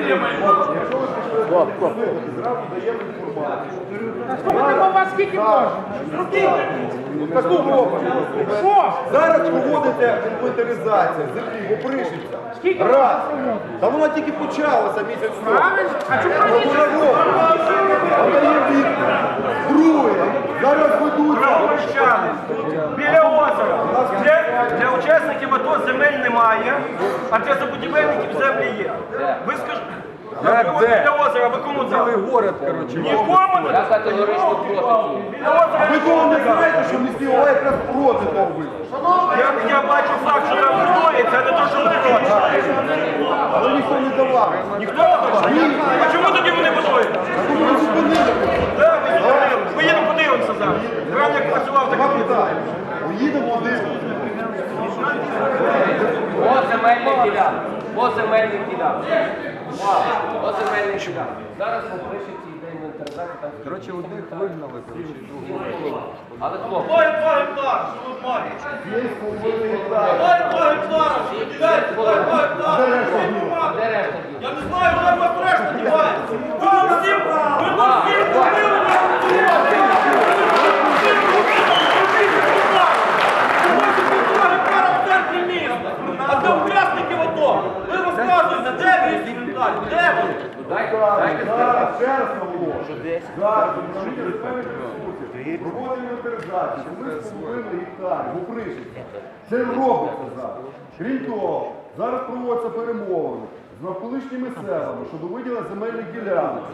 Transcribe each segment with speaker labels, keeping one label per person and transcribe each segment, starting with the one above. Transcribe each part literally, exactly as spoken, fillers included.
Speaker 1: Стоп, стоп. Зразу даємо інформацію.
Speaker 2: Слухайте, у вас скільки можна?
Speaker 1: Таку робимо. Що? Зараз проводиться інвентаризація землі в Опришівцях.
Speaker 2: Скільки
Speaker 1: Раз.
Speaker 2: можна проводити?
Speaker 1: Та вона тільки почалася місяць тому.
Speaker 2: Правильно? А чому ви
Speaker 1: Вона робить. Вона є відповідь. Друге. Зараз ведуться.
Speaker 3: Правомощани біля озера. Для, для учасників АТО земель немає, а для забудівельників землі є. Ви скажіть, біля озера, ви кому дали?
Speaker 1: Город, коротше.
Speaker 3: Нікому не
Speaker 4: Я категорично проти цього.
Speaker 3: біля озера.
Speaker 1: Ви того не знаєте, що міський голова якраз проти того вийшов.
Speaker 3: Я, я бачу факт, що там будується, а не то, що ви проти.
Speaker 1: Але ніхто не давав.
Speaker 3: Ніхто не хоче? А чому тоді ви не будуєте?
Speaker 1: Тому ми зупинили.
Speaker 3: Да, ви зупинили. Поїдемо подивимося зараз. Правильно, як працював, так і буде.
Speaker 1: Поїдемо один.
Speaker 4: По земельних ділянках. По земельних ділянках. По земельних ділянках. Зараз по Пришівці йде інвентаризація. там-
Speaker 1: Коротше, одних вигнали, коротше, і других.
Speaker 4: Але хлопці,
Speaker 3: Ой, два гектари, що ви маєте? Ой, два гектари, дайте, ой, два гектари.
Speaker 4: де решта діл?
Speaker 3: Я не знаю, де вас решта дівається. Ви нам всім, ви нам всім купили на культуру. В центрі міста. А де учасників АТО? Ви розказуєте, де ви інвентар? Де ви?
Speaker 4: Дайте, дайте сказати.
Speaker 1: Зараз ще раз наголошую. Зараз проводимо інвентаризацію. Ми з половиною гектарів в Опришівці. Це робиться зараз. Крім того, зараз проводяться перемовини з навколишніми селами щодо виділення земельних ділянок.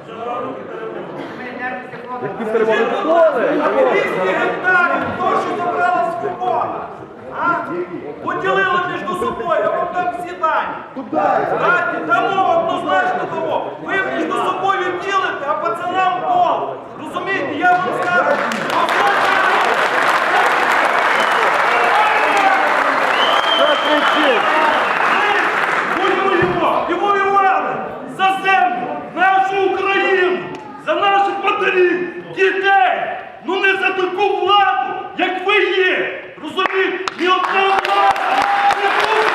Speaker 1: Які перемовини?
Speaker 3: двісті гектарів, то, що забрала свобода. А? Поділили між собою, я вам дам всі дані.
Speaker 1: Куди?
Speaker 3: Знаєте, дамо, однозначно дамо. Ви між собою ділите, а пацанам пол. Розумієте, я вам скажу. Ми воюємо і воювали за землю, нашу Україну, за наших матерів, дітей. Ну не за таку владу, як ви є. Розумієте, ні одна влада не буде.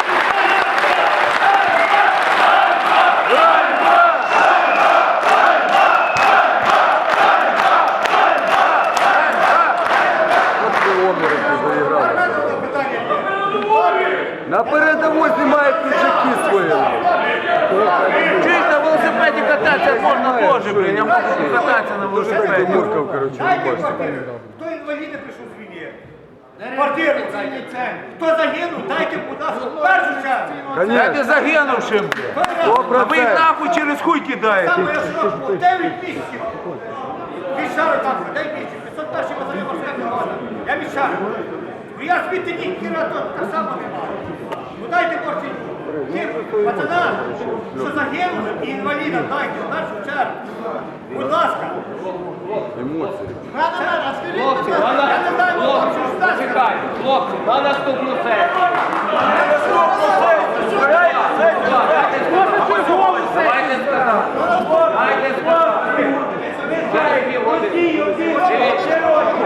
Speaker 1: На передовій знімають пиджаки свої.
Speaker 5: Чуєш, на велосипеді кататися можна теж, блін, я можу кататися на велосипеді.
Speaker 1: Муркав, коротше, ви бачите.
Speaker 6: Хто інваліди прийшов з війни? Квартиру дайте. Хто загинув, дайте, будь ласка, в першу чергу.
Speaker 5: Дайте загинувшим. А ви їх нахуй через хуй кидаєте.
Speaker 6: Саме я сроку дев'ять місяців. Вішаю там, дай місяць. п'ятсот перший батальйон морська піхота. Я вішаю. Ну я звідти ні кіра, то так само немає. Ну дайте борці. Тим пацанам, що загинули, і інвалідам дайте, в першу чергу. Будь ласка.
Speaker 1: Емоції.
Speaker 4: Хлопці, на
Speaker 6: Я не знаю,
Speaker 4: на- хлопці,
Speaker 6: що стати.
Speaker 4: чекайте, хлопці, на наступну сесію. Давайте сказати. Дайте сказати. Через півгодини. Дивіться,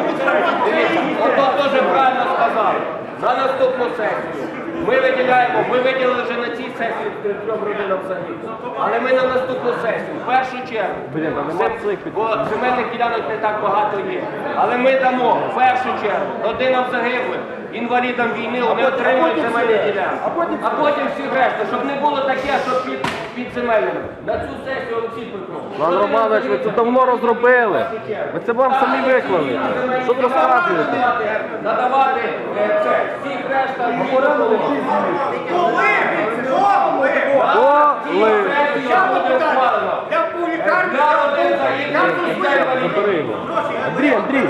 Speaker 4: ото теж правильно сказав. На наступну сесію. Ми виділяємо, ми виділили вже на цій сесії трьом родинам загиблих. Але ми на наступну сесію, в першу чергу, зем- бо земельних ділянок не так багато є. Але ми дамо в першу чергу родинам загиблих, інвалідам війни, вони отримують земельні ділянки. А потім всі решта, щоб не було таке, що під, під земельними. На цю сесію Олексій Петрович.
Speaker 1: Пан Романович, ви це давно розробили. Ви це вам самі виклали. Що ви розказуєте?
Speaker 4: Надавати е, це, всіх решта відповідно.
Speaker 6: Коли? Коли?
Speaker 1: Коли?
Speaker 6: Я питання. Я був у лікарні,
Speaker 4: Для
Speaker 6: я
Speaker 4: родин
Speaker 6: був- я
Speaker 4: загиблих
Speaker 6: був
Speaker 4: і
Speaker 6: з
Speaker 4: інвалідів.
Speaker 1: Андрій, Андрій.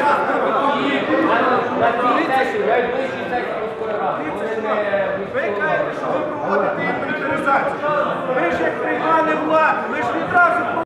Speaker 4: На цій сесії, найближчій сесії міської ради. Вони не
Speaker 3: Ви кажете, що ви проводите інвентаризацію. Ви ж як приймали владу, ви ж відразу